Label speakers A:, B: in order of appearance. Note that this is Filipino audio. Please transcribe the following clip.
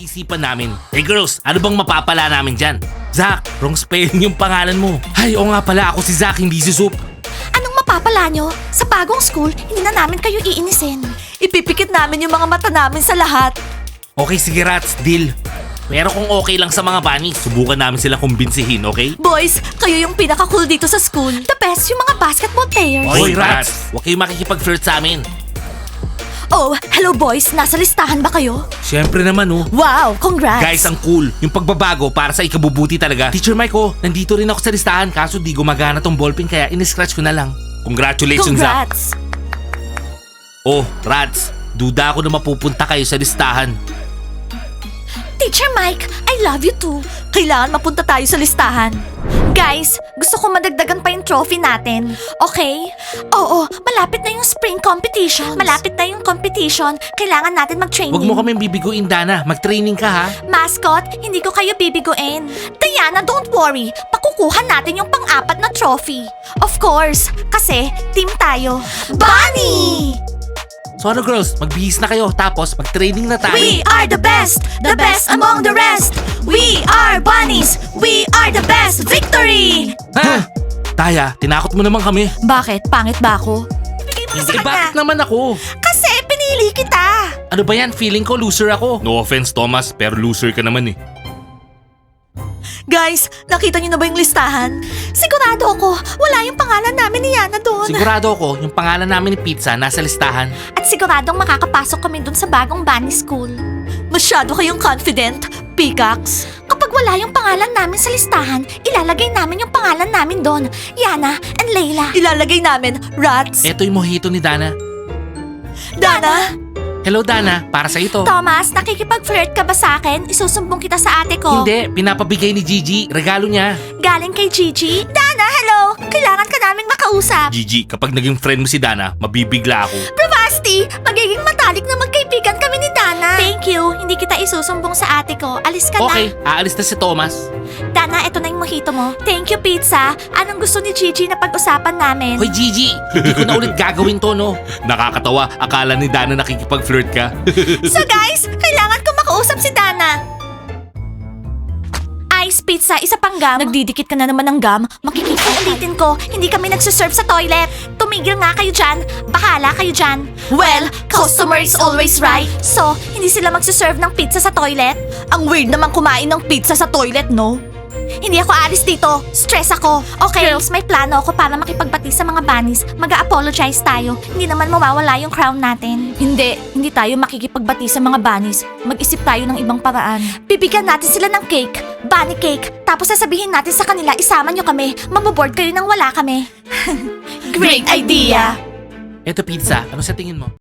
A: pinag-isipan namin. Hey girls, ano bang mapapala namin dyan? Zach, wrong spelling yung pangalan mo. Ay, oo nga pala, ako si Zach, hindi si Soup.
B: Anong mapapala nyo? Sa bagong school, hindi na namin kayo iinisin. Ipipikit namin yung mga mata namin sa lahat.
A: Okay, sige Rats, deal. Pero kung okay lang sa mga bunnies, subukan namin sila kumbinsihin, okay?
B: Boys, kayo yung pinaka-cool dito sa school. The best yung mga basketball players.
A: Hoy Rats, huwag kayong makikipag-flirt sa amin.
B: Oh, hello boys. Nasa listahan ba kayo?
A: Siyempre naman oh.
B: Wow, congrats.
A: Guys, ang cool. Yung pagbabago para sa ikabubuti talaga. Teacher Mike, oh, nandito rin ako sa listahan kaso di gumagana tong ballpen kaya in-scratch ko na lang. Congratulations, Zach.
B: Congrats.
A: Oh, Rats, duda ako na mapupunta kayo sa listahan.
B: Teacher Mike, I love you too. Kailangan mapunta tayo sa listahan. Guys, gusto ko madagdagan pa yung trophy natin. Okay? Oo, malapit na yung spring competition. Malapit na yung competition. Kailangan natin mag-training.
A: Huwag mo kaming bibiguin, Dana. Mag-training ka, ha?
B: Mascot, hindi ko kayo bibiguin. Diana, don't worry. Pakukuha natin yung pang-apat na trophy. Of course, kasi team tayo. Bunny!
A: So ano girls, magbihis na kayo tapos mag-training na tayo.
B: We are the best among the rest. We are bunnies. We are the best. Victory!
A: Ha? Taya, tinakot mo naman kami.
B: Bakit? Pangit ba ako? Ibigay mo na sa
A: Eh, bakit
B: kanya.
A: naman ako?
B: Kasi pinili kita.
A: Ano ba yan? Feeling ko loser ako. No offense, Thomas, pero loser ka naman eh.
B: Guys, nakita niyo na ba yung listahan? Sigurado ako, wala yung pangalan namin ni Yana doon.
A: Sigurado ako, yung pangalan namin ni Pizza nasa listahan.
B: At siguradong makakapasok kami doon sa bagong bunny school. Masyado kayong confident, Peacocks. Kapag wala yung pangalan namin sa listahan, ilalagay namin yung pangalan namin doon. Yana and Layla. Ilalagay namin, Rats.
A: Eto yung mojito ni Dana.
B: Dana!
A: Hello Dana, para sa ito.
B: Thomas, nakikipag-flirt ka ba sa akin? Isusumbong kita sa ate ko.
A: Hindi, pinapabigay ni Gigi. Regalo niya.
B: Galing kay Gigi? Dana, hello! Kailangan ka naming makausap.
A: Gigi, kapag naging friend mo si Dana, mabibigla ako.
B: Bravasti! Magiging matalik na magkaibigan kami ni Dana. Thank you. Hindi kita isusumbong sa ate ko. Alis ka
A: Okay,
B: na.
A: aalis na si Thomas.
B: Dana, ito na yung mojito mo. Thank you, pizza. Anong gusto ni Gigi na pag-usapan namin?
A: Hoy Gigi, hindi ko na ulit gagawin to, no? Nakakatawa, akala ni Dana nakikipag-flirt ka.
B: So guys, kailangan ko makausap si Dana. Ice pizza, isa pang gum. Nagdidikit ka na naman ng gum. Makikita. Ulitin ko, hindi kami nagsuserve sa toilet. Tumigil nga kayo dyan. Bahala kayo dyan. Well, customer is always right. So, hindi sila magsuserve ng pizza sa toilet? Ang weird naman kumain ng pizza sa toilet, no? Hindi ako alis dito. Stress ako. Okay, girls, may plano ako para makipagbati sa mga bunnies. Mag-a-apologize tayo. Hindi naman mawawala yung crown natin. Hindi tayo makikipagbati sa mga bunnies. Mag-isip tayo ng ibang paraan. Bibigyan natin sila ng cake. Bunny cake. Tapos sasabihin natin sa kanila, isama nyo kami. Maboboard kayo nang wala kami. Great idea!
A: Eto Pizza, ano sa tingin mo?